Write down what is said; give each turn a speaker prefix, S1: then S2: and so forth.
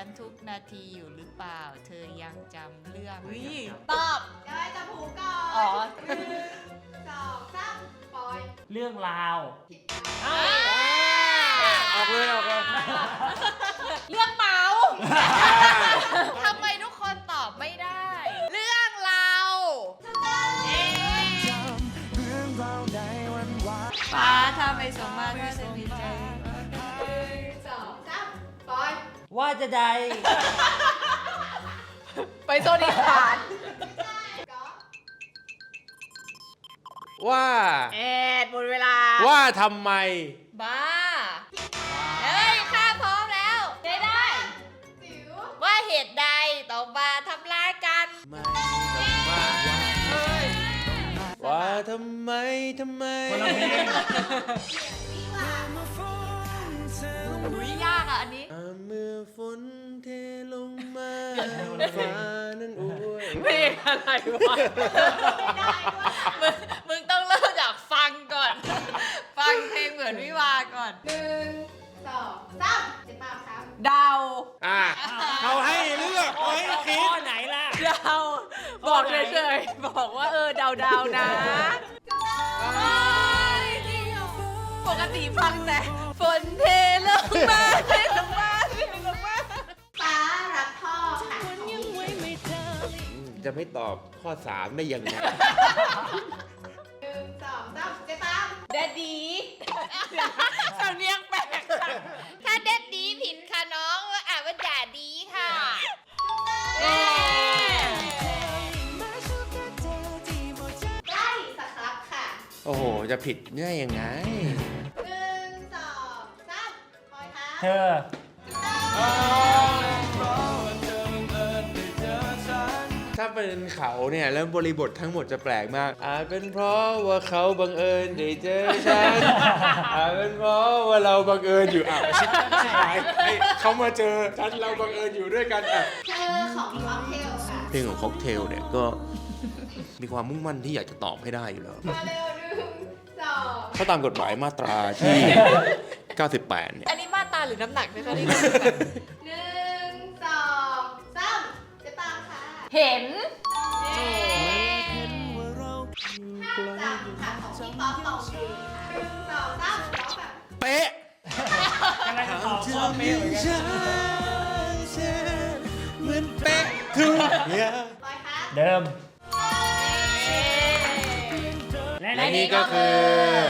S1: นทุกนาทีอยู่หรือเปล่า เธอยังจำเรื่อง
S2: ตอบ
S3: เดี๋ยวให้จับหูก่อน
S2: อ๋อ
S3: 1 2 3ปล่อย
S4: เรื่องราว
S5: ออกเลย
S2: เรื่องเมา
S1: ทำไมทุกคนตอบไม่ได้ เรื่องเรา ฟ้าถ้าไม่สมมาตรถ้าจะมีใจ
S3: 1 2 3ปล่อย
S4: ว่าจะใด
S2: ไปโซนอีสาน
S3: ก็
S5: ว่า
S2: หมดเวลา
S5: ว่าทำไม
S1: บ้า เฮ้ย ข้าพร้อมแล้ว ได้
S3: จิ๋ว
S1: ว่าเหตุใดต้องมาทำร้ายกัน
S5: ว่าทำไม
S4: คนละเพลง
S3: วิวา
S1: อุ้ยยากอ่ะอันนี้
S5: เมื่อฝนเทลงมาฟ้านั้นอวย
S2: เพลงอะไรวะ
S3: ไม่ได้ด้วย
S1: มึงต้องเริ่มจากฟังก่อน ฟังเพลงเหมือนวิวาก่อน
S3: 1 2 3เจ็บปากครับ
S2: เดา
S5: เขาให้เลือกเขาให้คิด
S4: ข้อไหนล่ะ
S2: เดา บอกเฉยๆบอกว่าเดานะ ปกติฟังแต่ฝนเทลงมาเทลงมา
S3: ฟ้ารักพ่อค่ะของพี่
S5: จะไม่ตอบข้อ 3 ได้ยังไง
S3: 1 2 3เจ็บปาก
S2: แดดดีสำเนียงแปลกจัง
S1: ถ้าเด็ดดีผิดค่ะน้องว่าอ่านว่าด่าดีค่ะ
S3: ใกล้สักครับค่ะ
S5: โอ้โห จะผิดง่ายยังไง
S3: 1 2 3ปล่อยครับ
S4: เธอ
S5: ถ้าเป็นเขาเนี่ยแล้วบริบททั้งหมดจะแปลกมาก อาจเป็นเพราะว่าเขาบังเอิญได้เจอฉัน อาจเป็นเพราะว่าเราบังเอิญอยู่ชิบหายเขามาเจอฉันเราบังเอิญอยู่ด้วยกันอ่ะ
S3: เธอของค็อกเทลค่ะ
S5: เพลงของค็อกเทลเนี่ยก็มีความมุ่งมั่นที่อยากจะตอบให้ได้อยู่แล้ว
S3: มาเร็ว1 2
S5: ถ้าตามกฎหมายมาตราที่ 98 เนี่ย
S2: อันนี้มาตาหรือน้ำหนักนะคะนี่
S3: 1 2 3เจ็บปากค่ะ
S2: เห็น
S3: จำค่ะของพี่ป๊อปปองกูลค่ะ1 2 3ร้องแบบ
S5: เป๊ะ
S4: กำลังจะตอบข้อเป๊ะเหมือนกัน
S5: เหมือนเป๊ะทุกอย่าง
S3: ปล่อยครับ
S4: เดิม
S5: และนี่ก็คือ